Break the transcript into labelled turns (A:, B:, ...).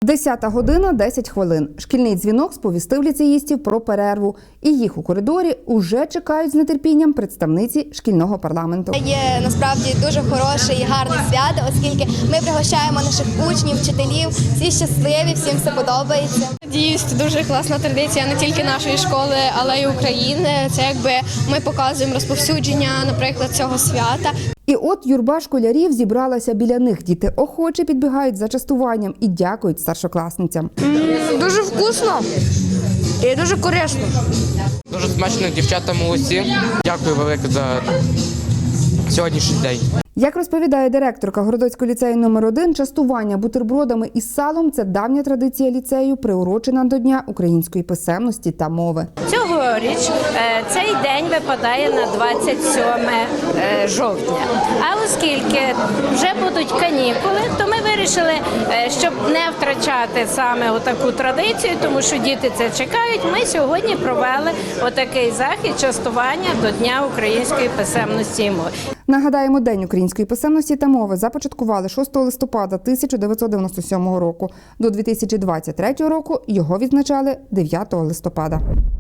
A: 10 година, 10 хвилин. Шкільний дзвінок сповістив ліцеїстів про перерву. І їх у коридорі уже чекають з нетерпінням представниці шкільного парламенту.
B: Є насправді дуже хороше і гарне свято, оскільки ми пригощаємо наших учнів, вчителів, всі щасливі, всім все подобається.
C: Надіюсь, це дуже класна традиція не тільки нашої школи, але й України. Це якби ми показуємо розповсюдження, наприклад, цього свята.
A: І от юрба школярів зібралася біля них. Діти охоче підбігають за частуванням і дякують старшокласницям.
D: Дуже вкусно і дуже корисно.
E: Дуже смачно, дівчата молодці. Дякую велике за сьогоднішній день.
A: Як розповідає директорка Городоцького ліцею номер 1, частування бутербродами із салом – це давня традиція ліцею, приурочена до Дня української писемності та мови.
F: Цьогоріч цей день випадає на 27 жовтня. А оскільки вже будуть канікули, то ми вирішили, щоб не втрачати саме отаку традицію, тому що діти це чекають, ми сьогодні провели отакий захід частування до Дня української писемності і мови.
A: Нагадаємо, День української писемності та мови започаткували 6 листопада 1997 року. До 2023 року його відзначали 9 листопада.